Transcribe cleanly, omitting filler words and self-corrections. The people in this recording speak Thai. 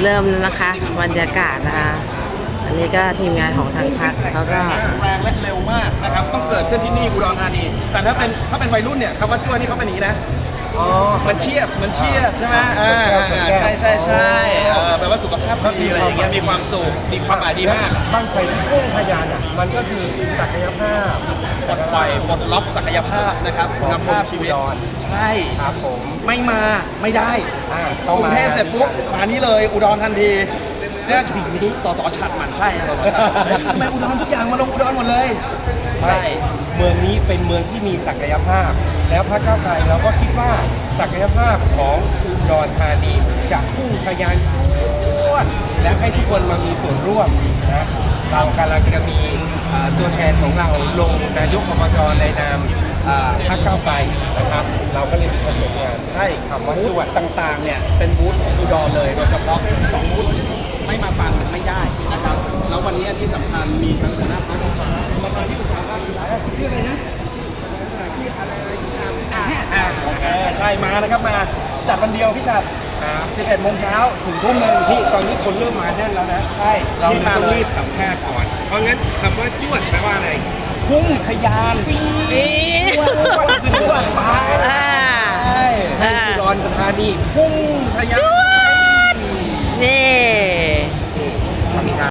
เริ่มแล้วนะคะบรรยากาศนะคะอันนี้ก็ทีมงานของทางพรรคเขาก็แรงและเร็วมากนะครับต้องเกิดขึ้นที่นี่อุดรธานีแต่ถ้าเป็นวัยรุ่นเนี่ยคำว่าจ้วนี่เขาเป็นอย่างนี้นะมันเชียสใช่ไหมใช่แปลว่าสุขภาพดีอะไรอย่างเงี้ยมีความสุขมีความหมายดีมากบ้างไฟที่พุ่งทะยานอ่ะมันก็คือศักยภาพปลดปล่อยปลดล็อกศักยภาพนะครับคุณภาพชีวิตใช่ครับผมไม่มาไม่ได้ต้อก งรุงมาเทพเสร็จปุ๊บมานี่เลยอุดรทันทีเนี่ยสิ่งนี้สสฉัดหมันใช่สสฉัดทำไมอุดรทุกอย่างมาลงอุดรหมดเลยใช่เมืองนี้เป็นเมืองที่มีศักยภาพ แล้วพรรคก้าวไกลเราก็คิดว่าศักยภาพของอุดรธานีจะพุ่งทะยานทั่วและให้ทุกคนมามีส่วนร่วมนะเรากำลังจะมีตัวแทนของเราลงนายกอบจในนามพรรคก้าวไกลนะครับเราก็เลยมีคอนเซ็ปต์งานใช่คำว่าบูจวธดต่างๆเนี่ยเป็นบูธของอุดรเลยโดยเฉพาะ2บูธไม่มาฟังไม่ได้นะครับแล้ววันนี้ที่สำคัญมีทั้งคณะพรรคประธานที่ปรึกษาพรรคชื่ออะไรนะชื่ออะไรโอเคใช่มานะครับมาจัดวันเดียวพี่ชัด11 โมงเช้าถึงทุ่มหนึงที่ตอนนี้คนเริ่มมาแน่นแล้วนะใช่เราที่มาต้องเลรียบสัมภาษณ์ก่อน เพราะงั้นคำว่าจวดแปลว่าอะไรพุ่งทะยานปี๊ด